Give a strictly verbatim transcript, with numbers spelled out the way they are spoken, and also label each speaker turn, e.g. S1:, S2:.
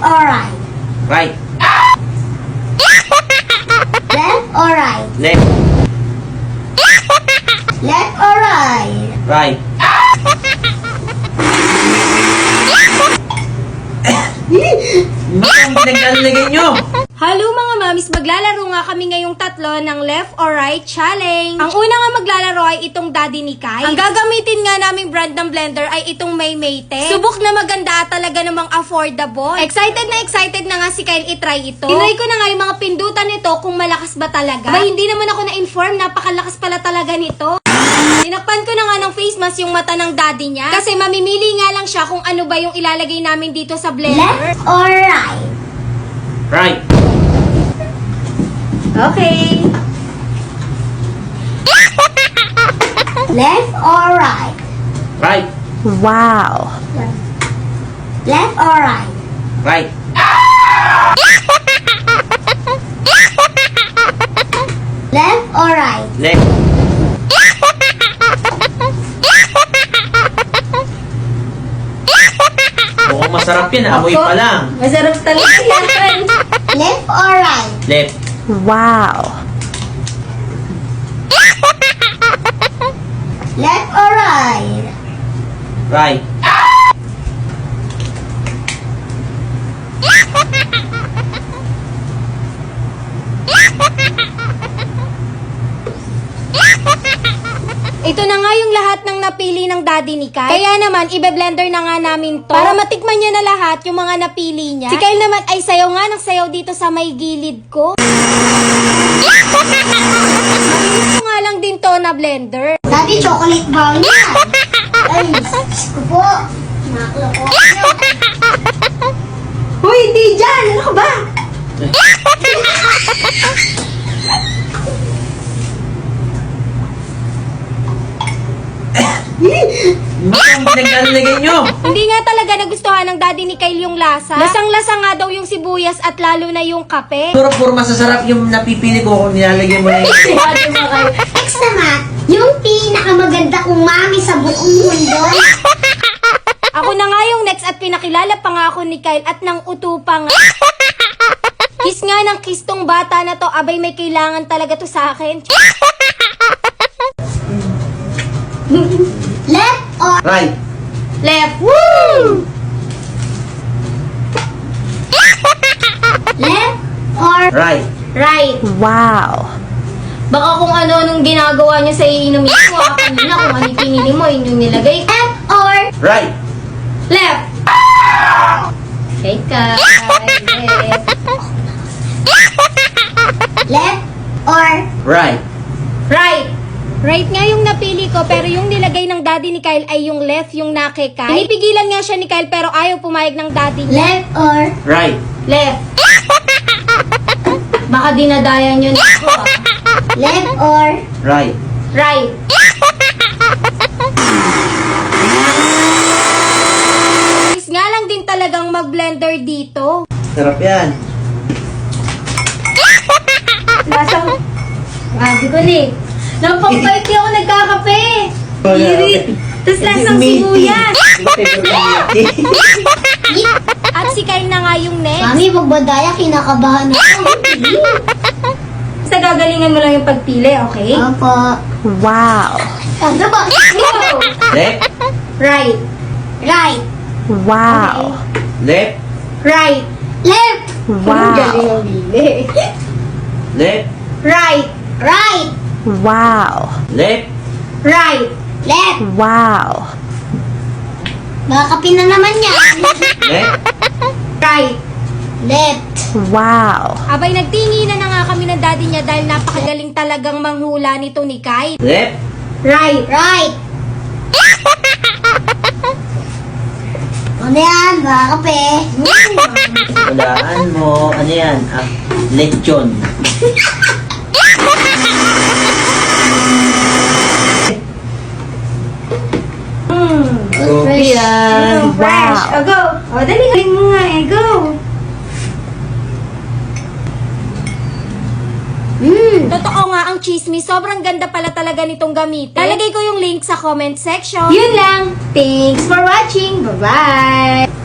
S1: or right?
S2: Right.
S1: Left or right?
S2: Left.
S1: Left or right?
S2: Right. Bakit ang pinaglalagay nyo?
S3: Hello mga mamis, maglalaro nga kami ngayong tatlo ng left or right challenge. Ang una nga maglalaro ay itong Daddy ni Kai. Ang gagamitin nga naming brand ng blender ay itong Maymayte. Subok na maganda at talaga namang affordable. Excited na excited na nga si Kyle itry ito. Tinry ko na nga yung mga pindutan nito kung malakas ba talaga. Ba hindi naman ako na-inform, napakalakas pala talaga nito. Tinakpan ko na nga ng face mask yung mata ng daddy niya. Kasi mamimili nga lang siya kung ano ba yung ilalagay namin dito sa blender.
S1: Left or right?
S2: Right.
S3: Okay.
S1: Left or right?
S2: Right.
S4: Wow.
S1: Left or right?
S2: Right.
S1: Left or right?
S2: Left. Mukhang masarap yan. Amoy pa lang.
S3: Masarap talaga yan.
S1: Left or right?
S2: Left.
S4: Wow.
S1: Left or right?
S2: Right.
S3: Ito na nga yung lahat ng napili ng daddy ni Kyle. Kaya naman, ibe-blender na nga namin to. Para matikman niya na lahat yung mga napili niya. Si Kyle naman ay sayaw nga ng sayaw dito sa may gilid ko. Malinis ko nga lang din to na blender.
S1: Daddy, chocolate brown yan. Ay, Diyos ko po. Nakaloko.
S3: Hoy, di dyan! Ano ka ba?
S2: Bakit ang pinaglalagay nyo?
S3: Hindi nga talaga nagustuhan ng daddy ni Kyle yung lasa. Lasang-lasa nga daw yung sibuyas at lalo na yung kape.
S2: Puro puro masasarap yung napipili ko kung nilalagay mo na yun.
S1: Next naman, yung pinakamaganda kong mami sa buong mundo.
S3: Ako na nga yung next at pinakilala pa nga ako ni Kyle at nang uto pa nga. Kiss nga ng kiss tong bata na to. Abay, may kailangan talaga to sa akin.
S1: Left or
S2: Right.
S3: Left.
S1: Woo! Left or
S2: Right.
S3: Right.
S4: Wow.
S3: Baka kung ano-anong ginagawa niya sa iinumin mo. Ah, kanina kung ano yung pinili mo, yun yung nilagay.
S1: left or
S2: Right.
S3: Left. Okay, Kyle. Left.
S1: left or
S2: Right.
S3: Right. Right nga yung napili ko, pero yung nilagay ng daddy ni Kyle ay yung left, yung nake Kyle. Pinipigilan nga siya ni Kyle, pero ayaw pumayag ng daddy niya.
S1: left or
S2: Right.
S3: Left. Baka dinadaya nyo na ako, ah.
S1: left or
S2: Right.
S3: Right. Is nga lang din talagang mag-blender dito.
S2: Sarap yan.
S3: Lasang... Ah, di ko ni. Napagbait di ako nagkakape. Irit. Tapos lasang sibuyas. At si Kyle na nga yung next.
S1: Mami, magbadaya, kinakabahan ako.
S3: Basta gagalingan mo lang yung pagpili, okay?
S1: Opo.
S4: Wow.
S1: Ano ba?
S3: Go!
S2: Left.
S3: Right.
S1: Right.
S4: Wow.
S2: Left.
S3: Right.
S1: Left.
S4: Wow.
S3: ang bili.
S2: Left.
S3: Right.
S1: Right.
S4: Wow.
S2: Left.
S3: Right.
S1: Left.
S4: Wow.
S1: Baka kape na naman yan.
S2: Left.
S3: Right.
S1: Left.
S4: Wow.
S3: Abay, nagtinginan na nga kami ng daddy niya dahil napakagaling talagang manghula nito ni Kyle.
S2: Left.
S3: Right.
S1: Right. Ano yan? Baka kape.
S2: Walaan mo. Ano yan? Ah, lechon.
S3: Fresh.
S2: yan.
S3: Fresh.
S4: Wow.
S3: O, go. O, dali. Galing mo nga eh. Go.
S1: Mm.
S3: Totoo nga ang chismis. Sobrang ganda pala talaga nitong gamitin. Lalagay ko yung link sa comment section. Yun lang. Thanks for watching. Bye-bye.